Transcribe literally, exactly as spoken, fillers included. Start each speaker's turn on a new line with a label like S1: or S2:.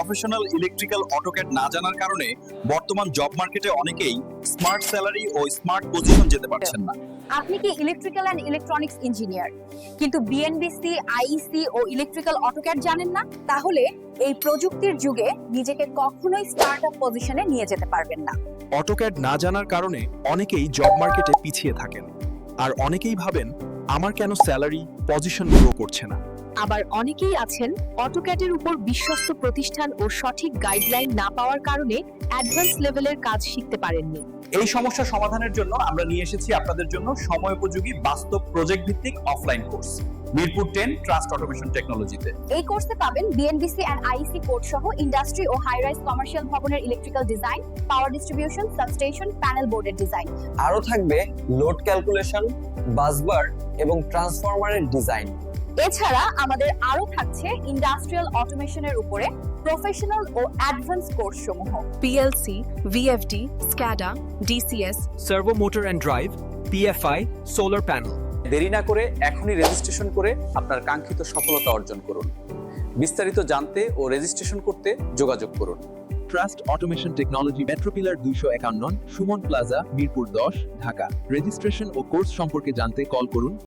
S1: Professional electrical AutoCAD না জানার কারণে বর্তমান জব মার্কেটে অনেকেই স্মার্ট স্যালারি ও স্মার্ট পজিশন যেতে পারছেন না।
S2: আপনি কি ইলেকট্রিক্যাল অ্যান্ড ইলেকট্রনিক্স ইঞ্জিনিয়ার কিন্তু বিএনবিসি, আইইসি ও ইলেকট্রিক্যাল অটোক্যাড জানেন না? তাহলে এই প্রযুক্তির যুগে নিজেকে কখনোই স্টার্টআপ পজিশনে নিয়ে যেতে পারবেন না।
S3: অটোক্যাড না জানার কারণে অনেকেই জব মার্কেটে পিছিয়ে থাকেন, আর অনেকেই ভাবেন আমার কেন স্যালারি পজিশন গ্রো করছে না।
S4: আবার অনেকেই আছেন অটোক্যাডের উপর বিশ্বস্ত প্রতিষ্ঠান ও সঠিক গাইডলাইন না পাওয়ার কারণে অ্যাডভান্স লেভেলের কাজ শিখতে পারেননি।
S1: এই সমস্যা সমাধানের জন্য আমরা নিয়ে এসেছি আপনাদের জন্য সময়োপযোগী বাস্তব প্রজেক্ট ভিত্তিক offline course Mirpur ten trust automation টেকনোলজিতে।
S2: এই কোর্সে পাবেন বিএনবিসি অ্যান্ড আইইসি কোড সহ ইন্ডাস্ট্রি ও হাই রাইজ কমার্শিয়াল ভবনের electrical design, power distribution, substation, panel বোর্ডের ডিজাইন।
S5: আরো থাকবে লোড ক্যালকুলেশন, বাসবার এবং ট্রান্সফরমারের ডিজাইন।
S2: এছাড়া আমাদের আরো থাকছে ইন্ডাস্ট্রিয়াল অটোমেশনের উপরে প্রফেশনাল ও অ্যাডভান্স কোর্স সমূহ।
S4: PLC, VFD, SCADA, DCS,
S3: servo motor and drive, PFI, solar panel.
S6: দেরি না করে এখনই রেজিস্ট্রেশন করে আপনার কাঙ্ক্ষিত সফলতা অর্জন করুন। বিস্তারিত জানতে ও রেজিস্ট্রেশন করতে যোগাযোগ করুন।
S3: ট্রাস্ট অটোমেশন টেকনোলজি, মেট্রোপিলার দুইশো একান্ন, সুমন প্লাজা, মিরপুর দশ, ঢাকা। রেজিস্ট্রেশন ও কোর্স সম্পর্কে জানতে কল করুন